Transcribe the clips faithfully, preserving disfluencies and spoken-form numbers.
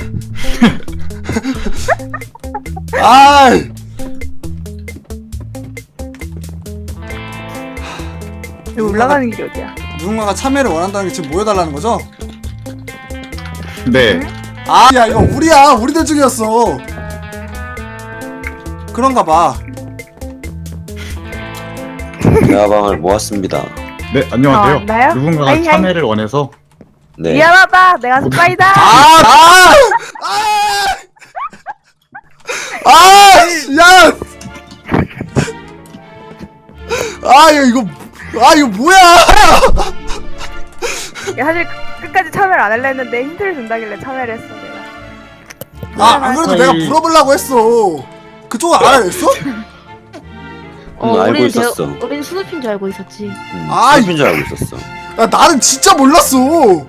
아이. 여기 올라가는 길이 어디야? 누군가가 참여를 원한다는 게 지금 모여달라는 거죠? 네. 아, 야 이거 우리야. 우리들 중이었어. 그런가 봐. 대화방을 모았습니다. 네, 안녕하세요. 아, 나요? 누군가가 아이, 아이. 참여를 원해서 네. 미안하다. 내가 스파이다. 아, 아, 아, 아, 야, 아, 야 이거, 아 이거 뭐야? 야, 사실 끝까지 참여를 안 하려 했는데 힌트를 준다길래 참여를 했어 내가. 아, 안 그래도 내가 물어보려고 했어. 그쪽은 알아냈어? 응, 알고 우리는 있었어. 대- 우리는 스누피인 줄 알고 있었지. 응, 아이. 스누피인 줄 알고 있었어. 야, 나는 진짜 몰랐어.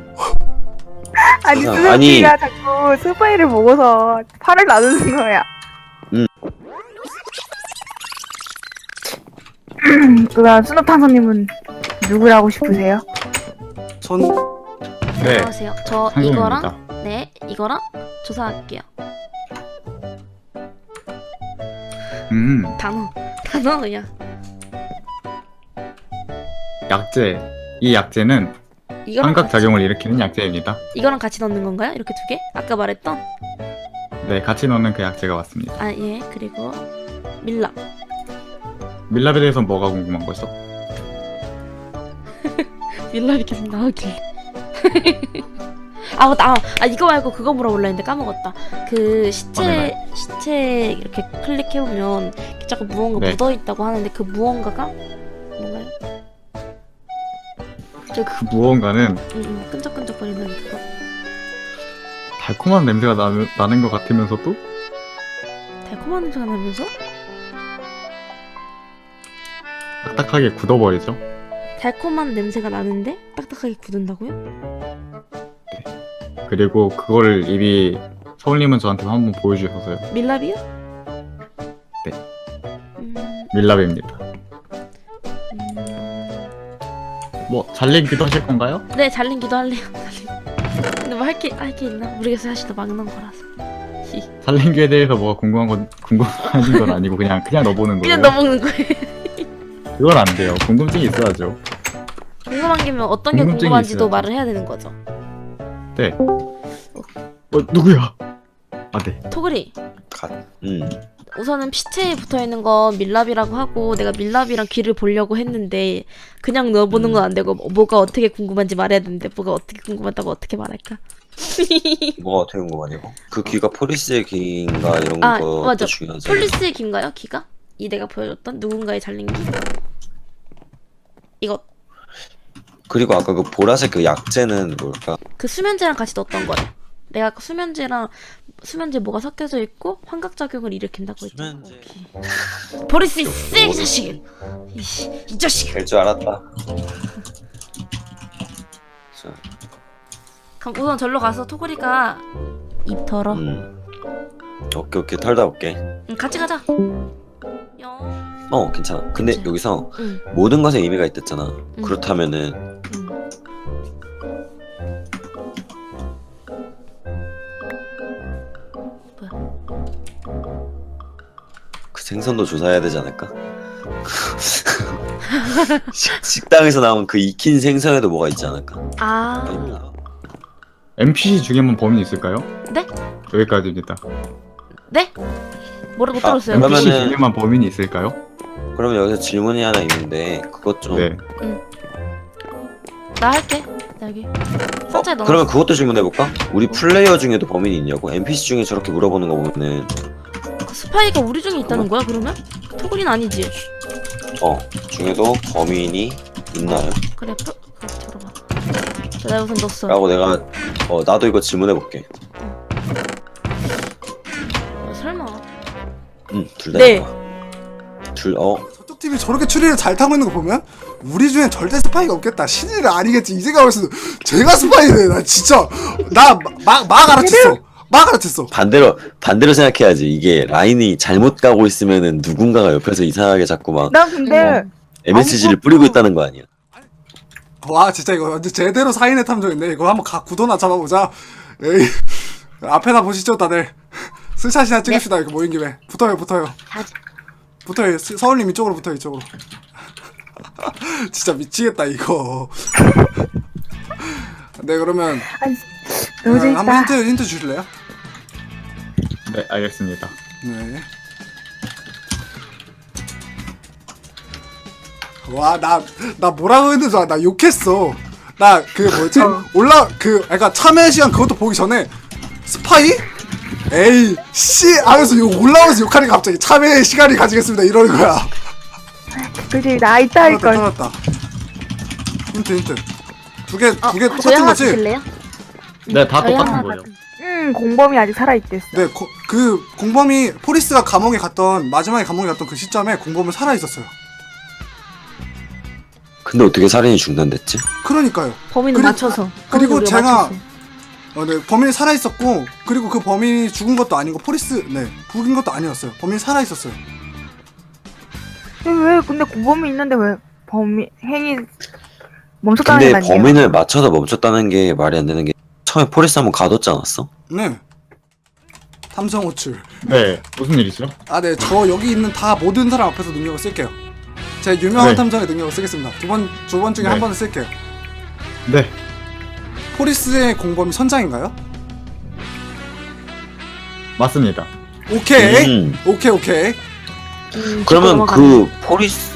아니 세상, 아니. 스누피가 자꾸 스파이를 보고서 팔을 나누는 거야. 음. 그럼 스누탕선님은 누구라고 싶으세요? 전 네. 안녕하세요. 저 상금입니다. 이거랑 네 이거랑 조사할게요. 음, 단어 단어 그냥. 약재. 이 약재는 이거랑 환각 같이, 작용을 일으키는 약재입니다. 이거랑 같이 넣는 건가요? 이렇게 두 개? 아까 말했던? 네, 같이 넣는 그 약재가 맞습니다. 아 예. 그리고 밀랍. 밀랍에 대해서 뭐가 궁금한 거죠? 밀랍이 계속 나오길래. 아 맞다. 아, 아 이거 말고 그거 물어볼라 했는데 까먹었다. 그 시체 어, 네, 시체 이렇게 클릭해 보면 자꾸 무언가 네. 묻어 있다고 하는데 그 무언가가 뭔가요? 저 그, 그 무언가는 음, 음, 끈적끈적거리는 그거. 달콤한 냄새가 나는, 나는 것 같으면서도 달콤한 냄새가 나면서 딱딱하게 굳어버리죠. 달콤한 냄새가 나는데 딱딱하게 굳은다고요? 그리고 그거를 입이 서울님은 저한테 한번 보여주셔서요. 밀랍이요? 네. 음, 밀랍입니다. 음, 뭐 잘리기도 하실 건가요? 네 잘린기도 할래요. 잘린. 근데 뭐 할 게 할 게 있나? 모르겠어요. 사실 또 막는 거라서. 히. 잘린기에 대해서 뭐가 궁금한 건 궁금하신 건 아니고 그냥 그냥 넣어보는 거예요. 그냥 넣어먹는 거예요. 그건 안 돼요. 궁금증이 있어야죠. 궁금한 게면 어떤 게 궁금증이 궁금한지도 있어요. 말을 해야 되는 거죠. 네. 어 누구야? 아 네. 토그리. 갓. 음. 우선은 피체에 붙어 있는 거 밀랍이라고 하고 내가 밀랍이랑 귀를 보려고 했는데 그냥 넣어보는 건 안 되고 뭐가 어떻게 궁금한지 말해야 되는데 뭐가 어떻게 궁금하다고 어떻게 말할까? 뭐가 어떻게 궁금하냐고? 그 귀가 포리스의 귀인가 이런 아, 것도 맞아. 중요하지. 폴리스의 귀인가요? 귀가? 이 내가 보여줬던 누군가의 잘린 귀? 이거 그리고 아까 그 보라색 그 약재는 뭘까? 그 수면제랑 같이 넣었던 거래. 내가 아까 수면제랑 수면제 뭐가 섞여져 있고 환각작용을 일으킨다고 했잖아. 수면제. 오케이. 버릴 수 있어 이 자식! 이씨, 이 자식! 될 줄 알았다. 자, 그럼 우선 절로 가서 토그리가 입 털어. 음. 오케이 오케이 털다 올게. 응, 같이 가자. 영. 어 괜찮아. 근데 그치. 여기서 응. 모든 것에 의미가 있댔잖아. 응. 그렇다면은 응. 그 생선도 조사해야 되지 않을까? 식- 식당에서 나온 그 익힌 생선에도 뭐가 있지 않을까? 아. 아닙니다. 엔피씨 중에만 범인이 있을까요? 네? 여기까지입니다. 네? 뭐라 못 아, 들었어요. 그러면은- 엔피씨 중에만 범인이 있을까요? 그러면 여기서 질문이 하나 있는데 그것 좀. 네. 나 할게. 나 여기. 어, 상자에 넣어. 그러면 그것도 질문해볼까? 우리 플레이어 중에도 범인이 있냐고? 엔피씨 중에 저렇게 물어보는 거 보면은 그 스파이가 우리 중에 있다는 거야 그러면? 토그리는 아니지. 어 중에도 범인이 있나요? 그래. 표... 그래 들어봐. 자, 내가 우선 넣었어. 라고 내가 어 나도 이거 질문해볼게. 어, 설마. 응둘 다. 네. 둘어 저쪽 팀이 저렇게 추리를 잘 타고 있는 거 보면 우리 중엔 절대 스파이가 없겠다. 신이는 아니겠지. 이 생각을 했어. 제가 스파이네. 나 진짜 나막막 알아챘어. 막 알아챘어. 반대로 반대로 생각해야지. 이게 라인이 잘못 가고 있으면은 누군가가 옆에서 이상하게 자꾸 막 나 근데 엠에스지를 아무것도- 뿌리고 있다는 거 아니야? 와 진짜 이거 완전 제대로 사인의 탐정인데 이거 한번 가 구도나 잡아보자. 에이 앞에다 보시죠 다들. 스샷이나 찍읍시다. 이렇게 모인 김에. 붙어요 붙어요. 다 붙어요. 스- 서울님 이쪽으로 붙어요 이쪽으로. 진짜 미치겠다 이거. 네 그러면 아니, 너무 아, 재밌다. 한번 힌트 힌트 주실래요? 네, 알겠습니다. 네. 와, 나, 나 뭐라고 했는지 알아? 나 욕했어. 나 그 뭐지? 올라, 그, 그니까 참여 시간 그것도 보기 전에 스파이? 에이, 씨! 하면서 욕 올라오면서 욕하니까 갑자기 참여 시간이 가지겠습니다. 이러는 거야. 그지, 나 이따 할 떨었다, 걸. 떨었다. 힌트, 힌트. 두 개, 어, 두 개 저희 똑같은 하나 거지? 주실래요? 네, 다 저희 똑같은 하나 거예요. 음, 공범이 아직 살아있댔어. 네, 고, 그, 공범이, 포리스가 감옥에 갔던, 마지막에 감옥에 갔던 그 시점에 공범은 살아있었어요. 근데 어떻게 살인이 중단됐지? 그러니까요. 범인을 그리고- 맞춰서. 그리고 범인을 우리가 제가 맞췄어. 어, 네, 범인이 살아있었고, 그리고 그 범인이 죽은 것도 아니고, 포리스, 네, 죽인 것도 아니었어요. 범인이 살아있었어요. 왜, 왜 근데 공범이 있는데 왜 범인 행위 멈췄다는 게 근데 아니에요? 범인을 맞춰서 멈췄다는 게 말이 안 되는 게 처음에 포리스 한번 가뒀지 않았어? 네. 탐정 호출. 네, 무슨 일이죠? 아, 네, 저 여기 있는 다 모든 사람 앞에서 능력을 쓸게요. 제 유명한 네. 탐정의 능력을 쓰겠습니다. 두 번, 두 번 중에 네. 한 번을 쓸게요. 네, 포리스의 공범이 선장인가요? 맞습니다. 오케이. 음. 오케이, 오케이. 음, 그러면 넘어가네. 그 포리스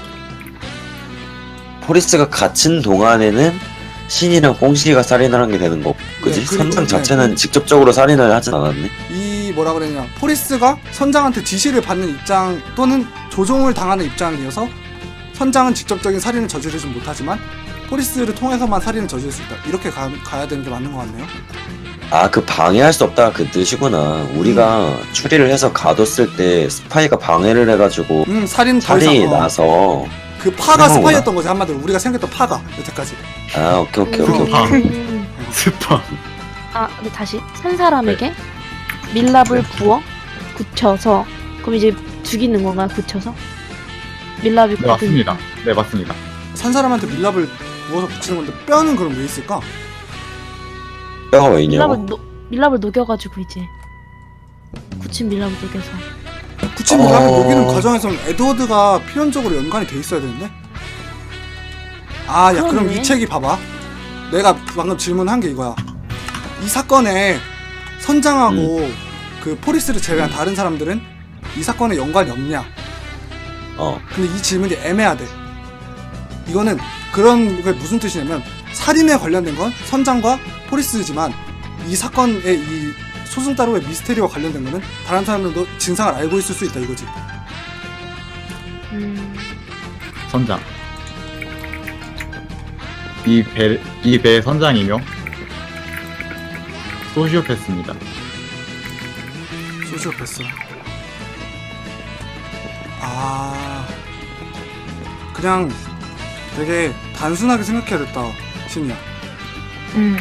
포리스가 갇힌 동안에는 신이랑 뽕시가 살인을 한 게 되는 거 그지? 네, 그리고- 선장 네. 자체는 직접적으로 살인을 하진 않았네. 이 뭐라 그러냐 포리스가 선장한테 지시를 받는 입장 또는 조종을 당하는 입장이어서 선장은 직접적인 살인을 저지르지 못하지만 포리스를 통해서만 살인을 저지를 수 있다. 이렇게 가, 가야 되는 게 맞는 것 같네요. 아, 그 방해할 수 없다 그 뜻이구나. 우리가 음. 추리를 해서 가뒀을 때 스파이가 방해를 해가지고 음 살인 더 살인이 이상 어, 나서. 그 파가 그런 스파이였던 거지 한마디로 우리가 생각했던 파가 여태까지. 아, 오케이 오케이 오케이. 음. 아. 음. 스파. 아, 근데 다시 한 사람에게 밀랍을 부어 굳혀서 그럼 이제 죽이는 건가요? 굳혀서? 밀랍이 네, 맞습니다. 네, 맞습니다. 산 사람한테 밀랍을 부어서 붙이는 건데 뼈는 그럼 왜 있을까? 뼈가 왜 있냐고? 밀랍을 녹 밀랍을 녹여가지고 이제 굳힌 밀랍을 녹여서. 굳힌 밀랍을 어. 녹이는 과정에서는 에드워드가 필연적으로 연관이 돼 있어야 되는데. 아, 야 그럼 그러네. 이 책이 봐봐. 내가 방금 질문한 게 이거야. 이 사건에 선장하고 음. 그 포리스를 제외한 다른 사람들은 이 사건에 연관이 없냐? 어. 근데 이 질문이 애매하대. 이거는 그런 게 무슨 뜻이냐면 살인에 관련된 건 선장과 포리스지만 이 사건의 이 소승 따로의 미스테리와 관련된 거는 다른 사람들도 진상을 알고 있을 수 있다 이거지. 음. 선장. 이 배, 이 배의 선장이며 소시오패스입니다. 소시오패스. 아, 그냥 되게 단순하게 생각해야겠다, 신이야. 음.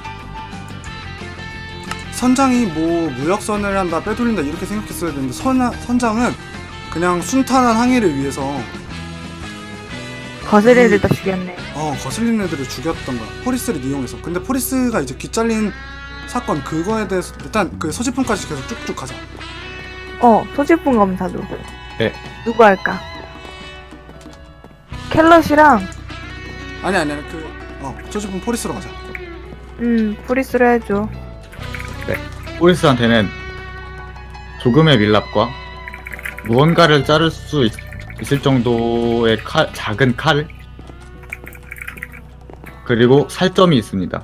선장이 뭐 무역선을 한다, 빼돌린다 이렇게 생각했어야 되는데 선, 선장은 그냥 순탄한 항해를 위해서 거슬릴 일다 죽였네. 어 거슬리는 애들을 죽였던 거야. 포리스를 이용해서. 근데 포리스가 이제 귀잘린 사건 그거에 대해서 일단 그 소지품까지 계속 쭉쭉 가자. 어, 소지품 검사도. 네. 누구 할까? 켈럿이랑, 아니 아니 아니 그어 소지품 포리스로 가자. 음, 프리스로 해줘. 포리스한테는 조금의 밀랍과 무언가를 자를 수 있, 있을 정도의 칼, 작은 칼 그리고 살점이 있습니다.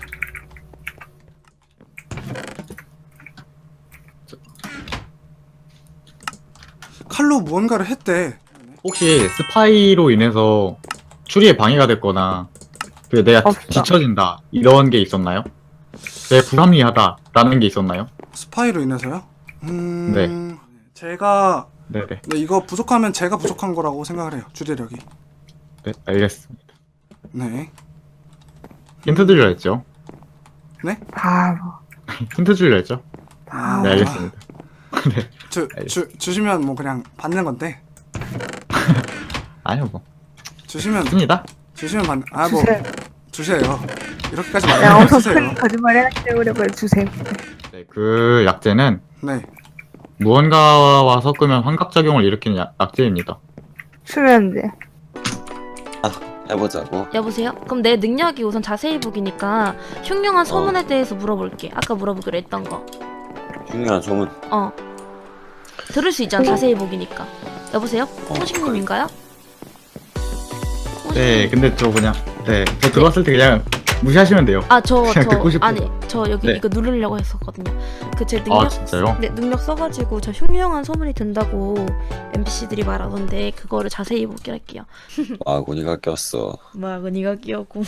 칼로 무언가를 했대. 혹시 스파이로 인해서 추리에 방해가 됐거나 그 내가 없어. 뒤처진다 이런 게 있었나요? 되게 불합리하다라는 게 있었나요? 스파이로 인해서요? 음. 네. 제가 네네. 네, 이거 부족하면 제가 부족한 거라고 생각을 해요. 주제력이. 네, 알겠습니다. 네. 힌트 드려 했죠? 바보. 힌트 주려 했죠? 아, 네, 알겠습니다. 네. 주, 주, 주시면 뭐 그냥 받는 건데. 아니요, 뭐. 주시면 씁니다. 주시면 받. 아 뭐 주세요. 주세요. 이렇게까지 내가 말하면 엄청 주세요. 큰 거짓말 해놨기 때문에 그래, 주세요. 네, 그 약재는 네. 무언가와 섞으면 환각작용을 일으키는 약, 약재입니다. 수면제. 해보자고. 여보세요? 그럼 내 능력이 우선 자세히 보기니까 흉흉한 소문에 대해서 물어볼게. 아까 물어보기로 했던 거. 중요한 소문. 어. 들을 수 있잖아. 자세히 보기니까. 여보세요? 어, 호식님인가요? 네, 근데 저 그냥 네, 저 들어왔을 때 그냥 무시하시면 돼요. 아, 저, 그냥 저, 듣고 싶어요. 아니, 저 여기 네. 이거 누르려고 했었거든요. 그 제 능력, 아, 진짜요? 네, 능력 써가지고 저 흉흉한 소문이 든다고 엠피씨들이 말하던데 그거를 자세히 보기로 할게요. 아군이가 꼈어. 뭐야, 니가 끼었고.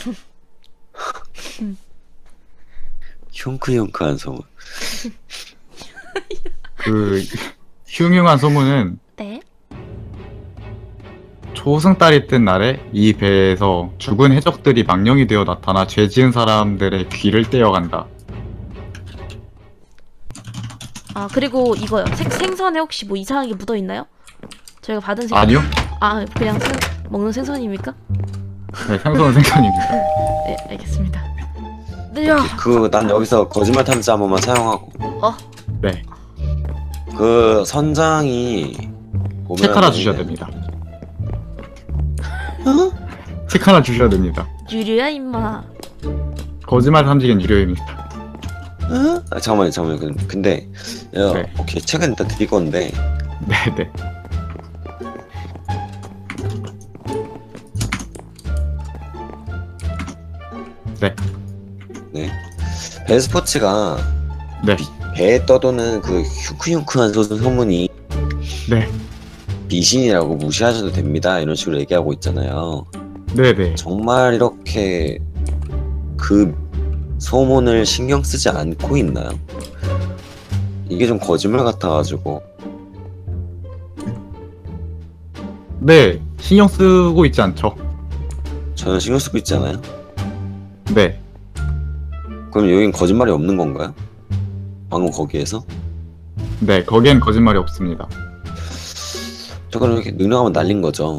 흉크흉크한 소문. 그 흉흉한 소문은 네? 초승달이 뜬 날에 이 배에서 죽은 해적들이 망령이 되어 나타나 죄 지은 사람들의 귀를 떼어간다. 아, 그리고 이거요. 생, 생선에 혹시 뭐 이상하게 묻어있나요? 저희가 받은 생선. 아니요? 아, 그냥 생, 먹는 생선입니까? 네, 생선은 생선입니다. 네, 알겠습니다. 네, 야. 그 난 여기서 거짓말 탐지 한 번만 사용하고. 어? 네, 그 선장이 보면은- 책 하나 주셔야 됩니다. 책 하나 주셔야 됩니다. 유료야, 임마. 거짓말 탐지기는 유료입니다. 아, 잠깐만요, 잠깐만요. 근- 근데 야, 네. 오케이 책은 일단 드릴 건데 네, 네. 네, 네 배스포츠가 네, 배에 떠도는 그 흉크흉크한 소- 소문이 네, 미신이라고 무시하셔도 됩니다. 이런 식으로 얘기하고 있잖아요. 네, 네. 정말 이렇게 그 소문을 신경 쓰지 않고 있나요? 이게 좀 거짓말 같아가지고. 네, 신경 쓰고 있지 않죠? 저는 신경 쓰고 있지 않아요? 네, 그럼 여긴 거짓말이 없는 건가요? 방금 거기에서? 네, 거기엔 거짓말이 없습니다. 저 그럼 이렇게 능력하면 날린 거죠.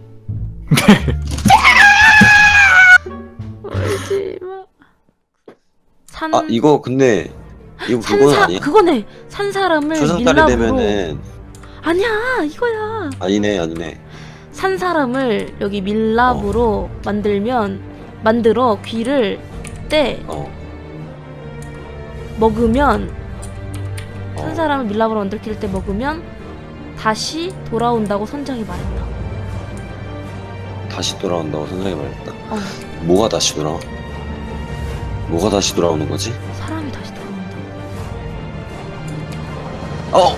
울지 마. 산, 아 이거 근데 이거 산 그건 사, 아니야? 그거네. 산 사람을 초승달이 밀랍으로. 되면은 아니야, 이거야. 아니네 아니네. 산 사람을 여기 밀랍으로 만들면 만들어 귀를 떼 어. 먹으면 산 어. 사람을 밀랍으로 만들길 때 먹으면 다시 돌아온다고 선장이 말했다. 다시 돌아온다고 선생님이 말했다. 어, 뭐가 다시 돌아와? 뭐가 다시 돌아오는 거지? 사람이 다시 돌아온다. 어!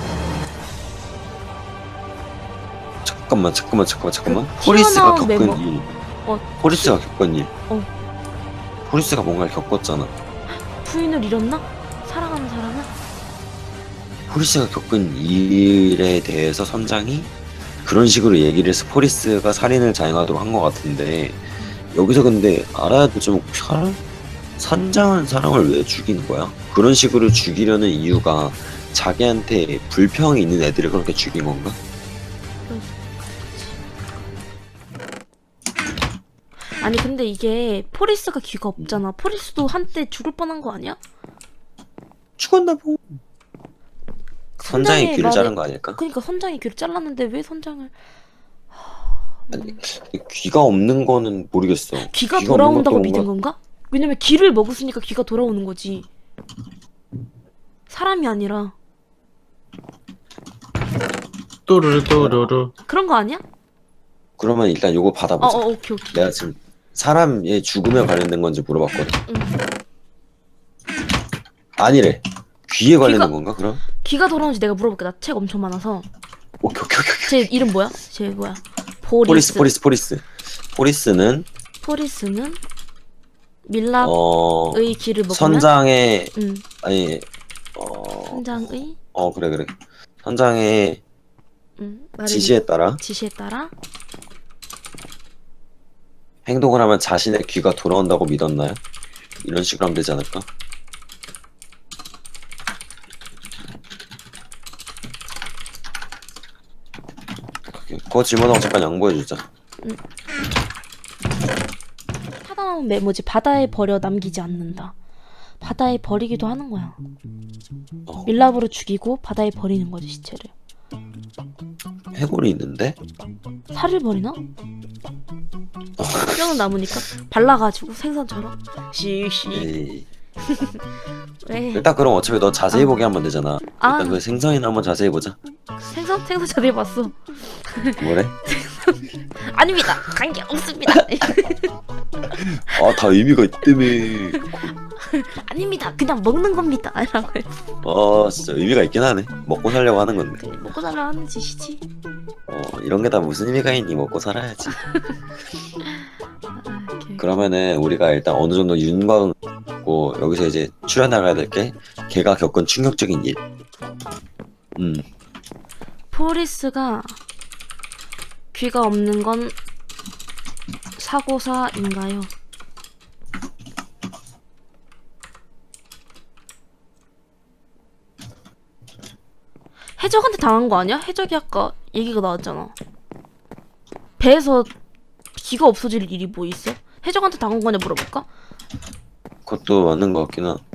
잠깐만 잠깐만 잠깐만 잠깐만. 그 포리스가 튀어나온 겪은 멤버. 일. 어, 포리스가 겪은 일. 어. 포리스가 뭔가를 겪었잖아. 부인을 잃었나? 사랑하는 사람을? 포리스가 겪은 일에 대해서 선장이 그런 식으로 얘기를 해서 포리스가 살인을 자행하도록 한 것 같은데 여기서 근데 알아야 될 점은 사람? 선장은 사람을 왜 죽이는 거야? 그런 식으로 죽이려는 이유가 자기한테 불평이 있는 애들을 그렇게 죽인 건가? 아니 근데 이게 포리스가 귀가 없잖아. 포리스도 한때 죽을 뻔한 거 아니야? 죽었나 보. 선장이 선장의 귀를 말에- 자른 거 아닐까? 그러니까 선장이 귀를 잘랐는데 왜 선장을 아니, 귀가 없는 거는 모르겠어. 귀가 없는 돌아온다고 것도 믿은 뭔가- 건가? 왜냐면 귀를 먹었으니까 귀가 돌아오는 거지. 사람이 아니라 또르르 또르르. 그런 거 아니야? 그러면 일단 요거 어, 받아보자. 어 오케이 오케이. 내가 지금 사람의 죽음에 관련된 건지 물어봤거든. 응. 아니래. 귀에 관련된 귀가- 건가 그럼? 귀가 돌아오는지 내가 물어볼게. 나 책 엄청 많아서. 오케이 오케이 오케이. 제 이름 뭐야? 제 뭐야? 포리스. 포리스 포리스 포리스. 포리스는 포리스는 밀랍의 어 귀를 먹으면 선장의 응. 아니 어, 선장의 어 그래 그래 선장의 응. 말을 지시에 따라 지시에 따라 행동을 하면 자신의 귀가 돌아온다고 믿었나요? 이런 식으로 하면 되지 않을까? 그거 질문하고 잠깐 양보해주자. 사다운 메모지. 바다에 버려 남기지 않는다. 바다에 버리기도 하는 거야. 어, 밀랍으로 죽이고 바다에 버리는 거지 시체를. 해골이 있는데? 살을 버리나? 뼈는 남으니까 발라가지고 생선처럼 씩씩. 에이. 왜? 일단 그럼 어차피 너 자세히 보게 하면 되잖아. 아. 일단 그 생선이나 한번 자세히 보자. 생선? 생선 자세히 봤어. 뭐래? 아닙니다. 관계 없습니다. 아, 다 의미가 있다며. 아닙니다. 그냥 먹는 겁니다. 이라고 해. 아, 진짜 의미가 있긴 하네. 먹고 살려고 하는 건데. 그래, 먹고 살려 하는 짓이지. 어, 이런 게 다 무슨 의미가 있니? 먹고 살아야지. 아, 이렇게. 그러면은 우리가 일단 어느 정도 윤곽은 고 여기서 이제 추려나가야 될 게 걔가 겪은 충격적인 일. 음, 포리스가 귀가 없는 건 사고사인가요? 해적한테 당한 거 아니야? 해적이 아까 얘기가 나왔잖아. 배에서 귀가 없어질 일이 뭐 있어? 해적한테 당한 거냐 물어볼까? 그것도 맞는 것 같긴 한.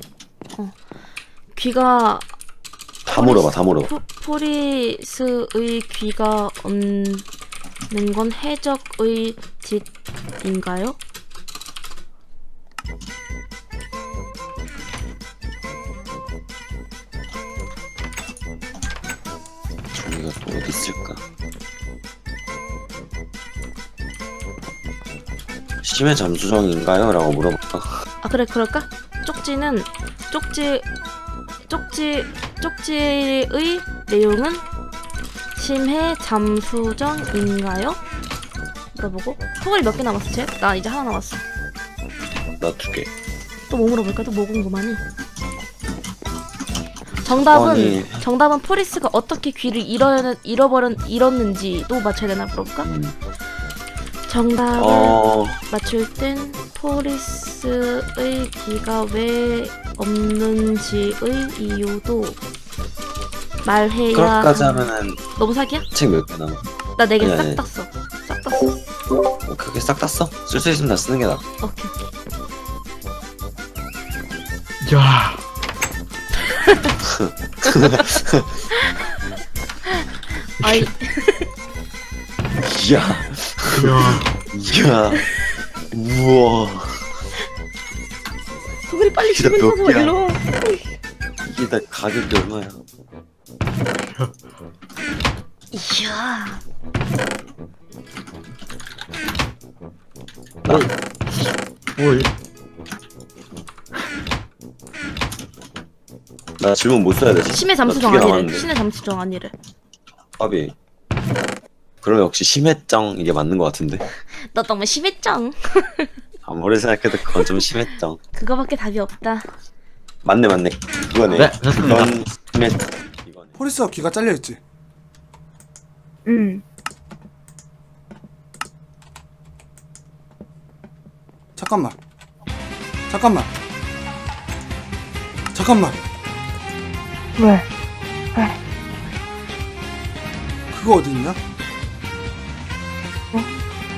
귀가 다 물어봐, 다 물어봐. 포, 포리스의 귀가 없는 건 해적의 짓인가요? 종이가 또 어디 있을까? 심해 잠수정인가요? 라고 물어볼까? 아 그래 그럴까? 쪽지는 쪽지 쪽지 쪽지의 내용은 심해 잠수정인가요? 물어보고 소갈이 몇 개 남았어 쟤? 나 이제 하나 남았어. 나 두 개. 또 뭐 물어볼까? 또 뭐 궁금하니? 정답은 아니. 정답은 포리스가 어떻게 귀를 잃어 잃어버렸 잃었는지도 맞춰야 되나 물어볼까? 음. 정답을 어, 맞출 땐 포리스의 귀가 왜 없는지의 이유도 말해야 그렇게까지 함. 하면은 너무 사기야? 책 몇 개 남아? 나 네 개 아니, 싹 아니. 땄어. 싹 땄어. 어, 그게 싹 땄어? 쓸 수 있으면 다 쓰는 게 나아. 오케이. 야, 아이 이야, 야, 이야, 우와. 소글이 빨리 진짜 주문 몇 사서 개야? 일로 와. 이게 다 가격이 얼마야? 이야. 나 뭐, 나 질문 못 써야 되지? 심해 나 두 잠수정 개 아니래. 남았는데. 심해 잠수정 아니래. 밥이. 그럼 역시 심해정 이게 맞는 것 같은데. 너 너무 심했쩡. 아무리 생각해도 그건 좀 심해정. 그거밖에 답이 없다. 맞네, 맞네. 그거네. 네, 됐습니다. 그건 심해. 이거네. 포리스가 귀가 잘려있지. 응. 잠깐만. 잠깐만. 잠깐만. 왜? 그거 어디 있냐? 어?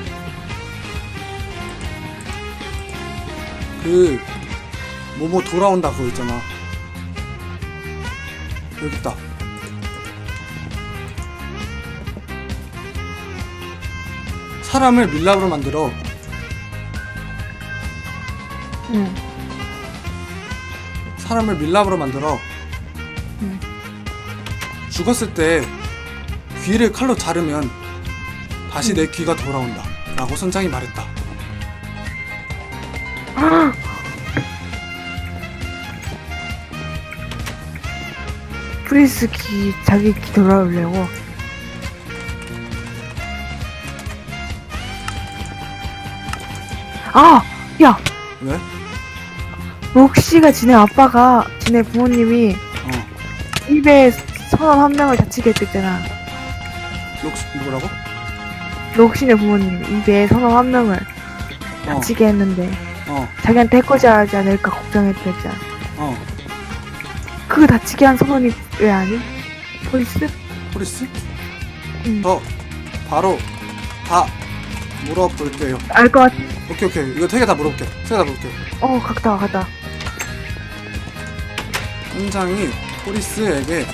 그 뭐뭐 돌아온다 그거 있잖아. 여기 있다. 사람을 밀랍으로 만들어. 응. 사람을 밀랍으로 만들어. 응. 죽었을 때 귀를 칼로 자르면 다시 내 귀가 돌아온다 라고 선장이 말했다. 프리스 기 자기 기 돌아오려고. 아, 야, 왜? 록시가 지네 아빠가 지네 부모님이 어. 입에 선원 한 명을 다치게 했댔잖아. 록시 누구라고? 록시네 부모님 입에 선원 한 명을 어. 다치게 했는데 어. 자기한테 해코지하지 않을까 걱정했댔잖아. 어. 그 다치게 한 선원이 왜 아니? 포리스? 포리스? 응. 저 바로 다 물어볼게요. 알 것 같. 오케이 오케이 이거 세 개 다 물어볼게. 세 개 다 물어볼게. 어, 갔다 와, 갔다. 와. 선장이 포리스에게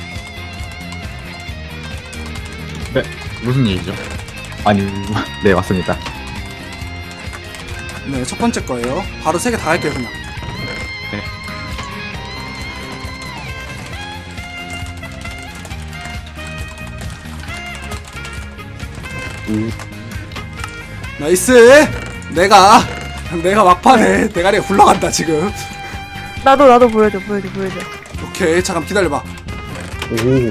네, 무슨 일이죠? 아니, 네, 맞습니다. 네, 첫 번째 거예요. 바로 세 개 다 할게요, 그냥. 네. 음, 나이스! 내가, 내가 막판에 대가리가 굴러간다, 지금. 나도 나도 보여줘 보여줘 보여줘. 오케이, 잠깐 기다려봐. 오.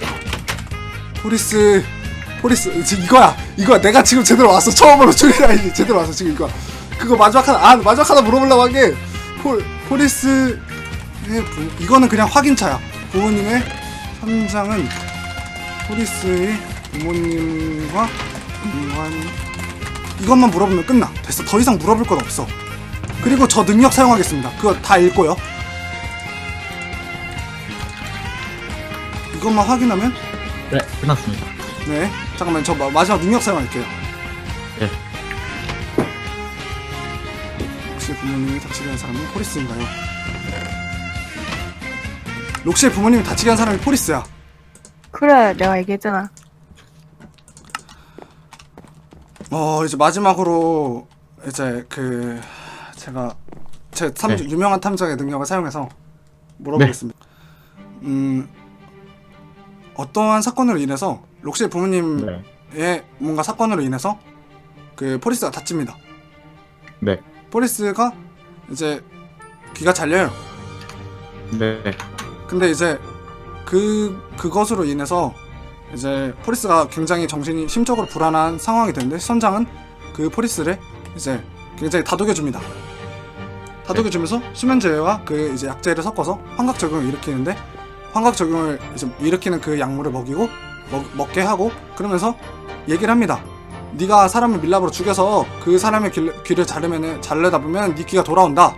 포리스, 포리스, 지금 이거야. 이거야. 내가 지금 제대로 왔어. 처음으로 줄이라이 제대로 왔어, 지금 이거. 그거 마지막 하나, 아, 마지막 하나 물어보려고 한 게, 포, 포리스의 부, 이거는 그냥 확인차야. 부모님의 선장은 포리스의 부모님과 인간, 이것만 물어보면 끝나. 됐어. 더 이상 물어볼 건 없어. 그리고 저 능력 사용하겠습니다. 그거 다 읽고요. 이것만 확인하면 네, 끝났습니다. 네. 잠깐만, 저 마, 마지막 능력 사용할게요. 네. 혹시 부모님이 다치게 한 사람은 포리스인가요? 록시의 부모님이 다치게 한 사람이 포리스야. 그래 내가 얘기했잖아. 어, 이제 마지막으로 이제 그 제가 제 탐, 네. 유명한 탐정의 능력을 사용해서 물어보겠습니다. 음, 어떠한 사건으로 인해서 록시의 부모님의 네. 뭔가 사건으로 인해서 그 포리스가 다칩니다. 네. 포리스가 이제 귀가 잘려요. 네. 근데 이제 그 그것으로 인해서 이제 포리스가 굉장히 정신이 심적으로 불안한 상황이 되는데 선장은 그 포리스를 이제 굉장히 다독여줍니다. 다독여주면서 수면제와 그 이제 약제를 섞어서 환각 적용을 일으키는데 환각 적용을 이제 일으키는 그 약물을 먹이고 먹, 먹게 하고 그러면서 얘기를 합니다. 네가 사람을 밀랍으로 죽여서 그 사람의 귀를, 귀를 자르면은 자르다 보면 네 귀가 돌아온다.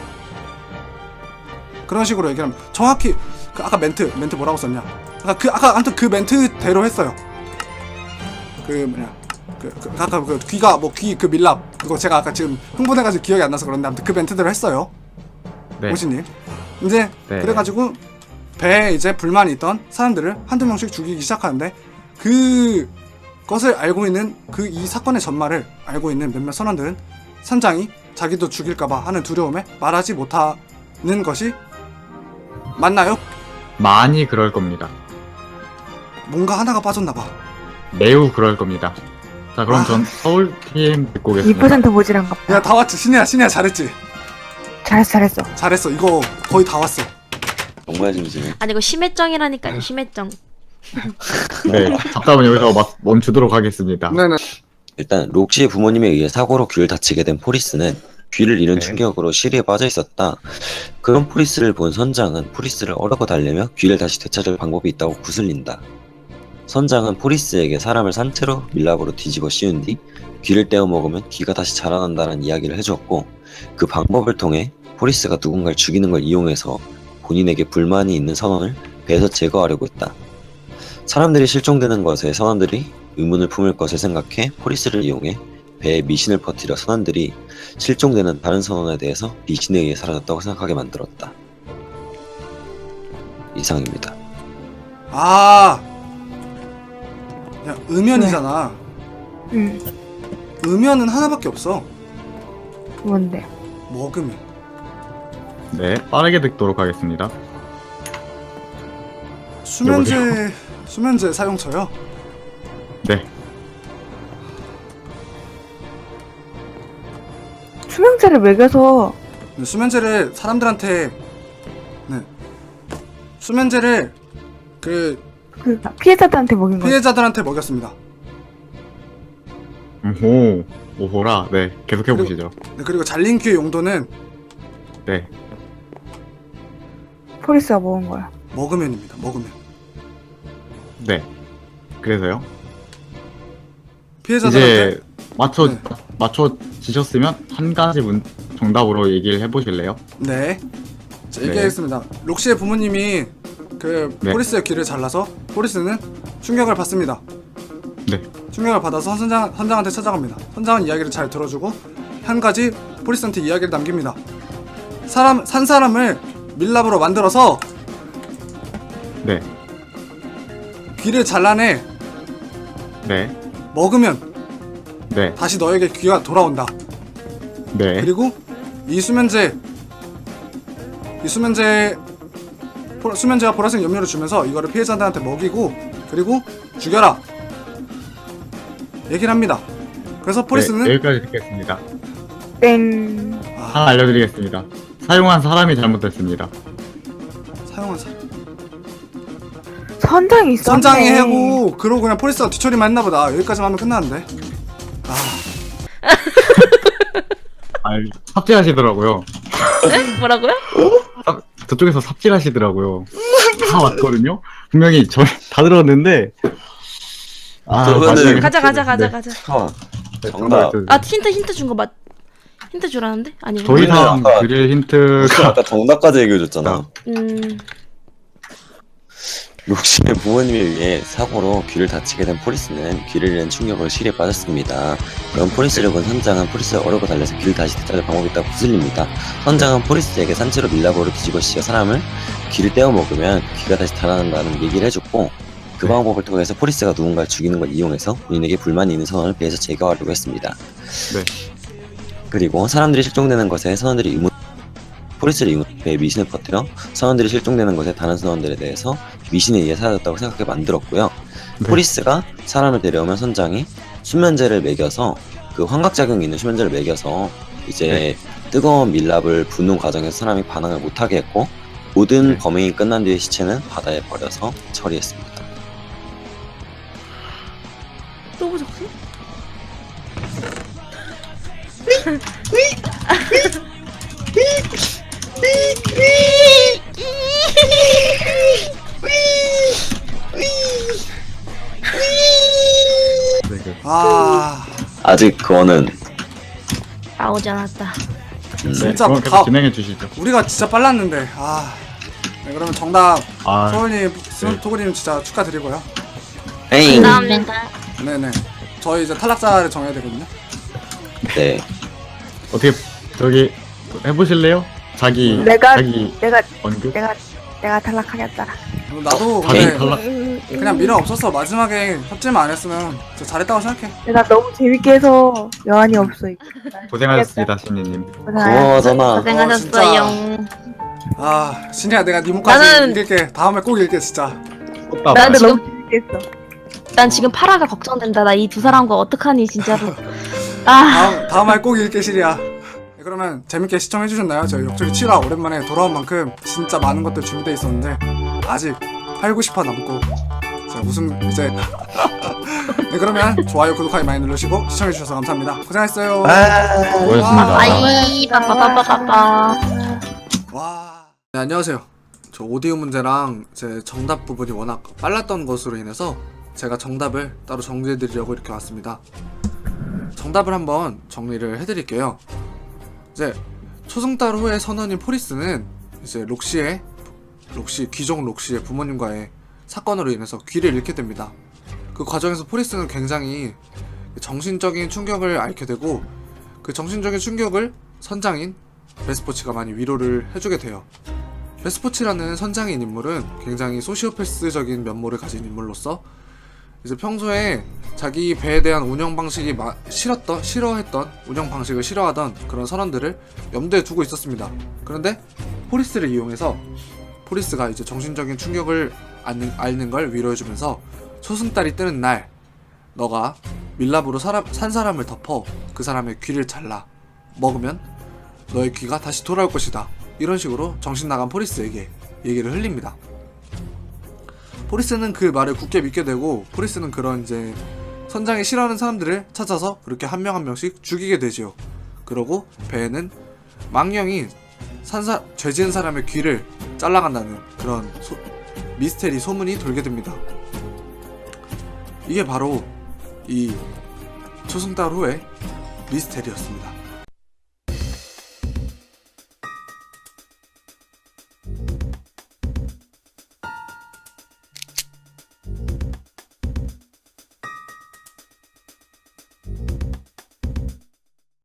그런 식으로 얘기를 합니다. 정확히 그 아까 멘트 멘트 뭐라고 썼냐? 아까 그 아까 아무튼 그 멘트대로 했어요. 그 뭐냐? 그, 그 아까 그 귀가 뭐 귀 그 밀랍 그거 제가 아까 지금 흥분해가지고 기억이 안 나서 그런데 아무튼 그 멘트대로 했어요. 네. 오신님 이제 네. 그래가지고 배에 이제 불만이 있던 사람들을 한두 명씩 죽이기 시작하는데 그 것을 알고 있는 그 이 사건의 전말을 알고 있는 몇몇 선원들은 선장이 자기도 죽일까봐 하는 두려움에 말하지 못하는 것이 맞나요? 많이 그럴 겁니다. 뭔가 하나가 빠졌나봐. 매우 그럴 겁니다. 자, 그럼 아. 전 서울팀 듣고 이 오겠습니다. 퍼센트 모질한가 봐. 야 다 왔지. 신이야 신이야 잘했지. 잘했어 잘했어. 잘했어. 이거 거의 다 왔어. 정말 심심해. 아니 이거 심해정이라니까요. 심해정. 네, 잠깐만 여기서 마- 멈추도록 하겠습니다. 네네. 일단 록시의 부모님에 의해 사고로 귀를 다치게 된 포리스는 귀를 잃은 네. 충격으로 시리에 빠져 있었다. 그런 포리스를 본 선장은 포리스를 어르고 달래며 귀를 다시 되찾을 방법이 있다고 구슬린다. 선장은 포리스에게 사람을 산채로 밀랍으로 뒤집어 씌운 뒤 귀를 떼어 먹으면 귀가 다시 자라난다는 이야기를 해주었고 그 방법을 통해 포리스가 누군가를 죽이는 걸 이용해서 본인에게 불만이 있는 선원을 배에서 제거하려고 했다. 사람들이 실종되는 것에 선원들이 의문을 품을 것을 생각해 포리스를 이용해 배에 미신을 퍼뜨려 선원들이 실종되는 다른 선원에 대해서 미신에 의해 사라졌다고 생각하게 만들었다. 이상입니다. 아, 야 음연이잖아. 응. 음연은 하나밖에 없어. 뭔데? 먹으면. 네, 빠르게 듣도록 하겠습니다. 수면제 수면제 사용처요. 네, 수명제를 먹여서 네, 수면제를 사람들한테 네 수면제를 그 그 피해자들한테 먹인 거야. 피해자들한테 먹였습니다. 오, 오호라. 네, 계속해 보시죠. 네, 그리고 잘린 귀의 용도는 네, 포리스가 먹은 거야. 먹으면입니다. 먹으면 네. 그래서요. 피해자들한테 이제 맞춰 네. 맞춰 지셨으면 한 가지 문 정답으로 얘기를 해보실래요? 네. 자, 네. 얘기하겠습니다. 록시의 부모님이 그 네. 포리스의 귀를 잘라서 포리스는 충격을 받습니다. 네, 충격을 받아서 선장, 선장한테 찾아갑니다. 선장은 이야기를 잘 들어주고 한 가지 포리스한테 이야기를 남깁니다. 사람 산 사람을 밀랍으로 만들어서 네. 귀를 잘라내. 네. 먹으면 네. 다시 너에게 귀가 돌아온다. 네. 그리고 이 수면제 이 수면제 포- 수면제와 보라색 염료를 주면서 이거를 피해자들한테 먹이고 그리고 죽여라 얘기를 합니다. 그래서 포리스는 네, 여기까지 듣겠습니다. 땡. 하나 알려드리겠습니다. 사용한 사람이 잘못됐습니다. 사용한 사 선장이 있었네. 선장이 해고 그러고 그냥 포리스가 뒤처리만 했나보다. 여기까지만 하면 끝나는데. 아 아, 삽질하시더라고요. 뭐라고요? 삽- 저쪽에서 삽질하시더라고요. 다 왔거든요. 분명히 저 다 들었는데. 아, 저거는- 마지막에 가자 가자 가자 네. 가자. 잠깐만. 네, 정답. 정답. 아 힌트 힌트 준 거 맞? 힌트 주라는데? 아니. 더 이상 아까- 드릴 힌트가 아까 정답까지 얘기해줬잖아. 음. 록시의 부모님에 의해 사고로 귀를 다치게 된 포리스는 귀를 잃은 충격으로 실에 빠졌습니다. 그럼 포리스를 본 선장은 포리스를 어려고 달래서 귀를 다시 되찾을 방법이 있다고 구슬립니다. 선장은 포리스에게 산채로 밀랍으로 뒤집어 씌워 사람을 귀를 떼어 먹으면 귀가 다시 달아난다는 얘기를 해줬고 그 네. 방법을 통해서 포리스가 누군가를 죽이는 걸 이용해서 본인에게 불만이 있는 선원을 배에서 제거하려고 했습니다. 네. 그리고 사람들이 실종되는 것에 선원들이 의문 포리스를 이용해 배에 미신을 퍼뜨려 선원들이 실종되는 것에 다른 선원들에 대해서 미신에 의해 사라졌다고 생각하게 만들었고요. 네. 포리스가 사람을 데려오면 선장이 수면제를 먹여서 그 환각작용이 있는 수면제를 먹여서 이제 네. 뜨거운 밀랍을 붓는 과정에서 사람이 반응을 못하게 했고 모든 네. 범행이 끝난 뒤에 시체는 바다에 버려서 처리했습니다. 또 보셨어? 네, 그- 아 아직 그거는 나오지 않았다. 음, 네, 진짜 그럼 다- 계속 진행해 주시죠. 우리가 진짜 빨랐는데. 아 네, 그러면 정답 아, 소울님 네. 토그님 진짜 축하드리고요. 에잉! 감사합니다. 네네. 저희 이제 탈락자를 정해야 되거든요. 네. 어떻게 저기 해보실래요? 자기 내가- 자기 내가 언급. 내가 내가 탈락하겠다. 나도 다들 근데 탈락. 그냥 미련 없었어. 마지막에 협질만 안 했으면 진짜 잘했다고 생각해. 내가 너무 재밌게 해서 여한이 없어. 고생하셨습니다, 신리님. 고마워잖아. 고생하셨어요. 아 신이야 내가 네 목까지 나는- 읽을게. 다음에 꼭 읽게 진짜. 꽃다발. 난 나한테 지금- 너무 재밌게 했어. 난 지금 파라가 걱정된다. 나 이 두 사람과 어떡하니 진짜로. 아 다음 다음 말 꼭 읽게 시리야. 네, 그러면 재밌게 시청해 주셨나요? 저희 역적이 칠 화 오랜만에 돌아온 만큼 진짜 많은 것들 준비되어 있었는데 아직 팔, 구십 화 남고 자 웃음 이제 네 그러면 좋아요 구독하기 많이 누르시고 시청해 주셔서 감사합니다. 고생했어요. 고맙습니다. 아이 빠빠빠빠빠. 와. 네, 안녕하세요. 저 오디오 문제랑 제 정답 부분이 워낙 빨랐던 것으로 인해서 제가 정답을 따로 정리해드리려고 이렇게 왔습니다. 정답을 한번 정리를 해드릴게요. 이제 초승달 후의 선원인 포리스는 이제 록시의 록시 귀족 록시의 부모님과의 사건으로 인해서 귀를 잃게 됩니다. 그 과정에서 포리스는 굉장히 정신적인 충격을 앓게 되고 그 정신적인 충격을 선장인 베스포치가 많이 위로를 해주게 돼요. 베스포치라는 선장인 인물은 굉장히 소시오패스적인 면모를 가진 인물로서 이제 평소에 자기 배에 대한 운영 방식이 마, 싫었던, 싫어했던 운영 방식을 싫어하던 그런 선원들을 염두에 두고 있었습니다. 그런데 포리스를 이용해서 포리스가 이제 정신적인 충격을 앓는, 앓는 걸 위로해주면서 초승달이 뜨는 날 너가 밀랍으로 사람, 산 사람을 덮어 그 사람의 귀를 잘라 먹으면 너의 귀가 다시 돌아올 것이다. 이런 식으로 정신 나간 포리스에게 얘기를 흘립니다. 포리스는 그 말을 굳게 믿게 되고 포리스는 그런 이제 선장이 싫어하는 사람들을 찾아서 그렇게 한 명 한 명씩 죽이게 되지요. 그러고 배에는 망령이 산사, 죄 지은 사람의 귀를 잘라간다는 그런 소, 미스테리 소문이 돌게 됩니다. 이게 바로 이 초승달 후의 미스테리였습니다.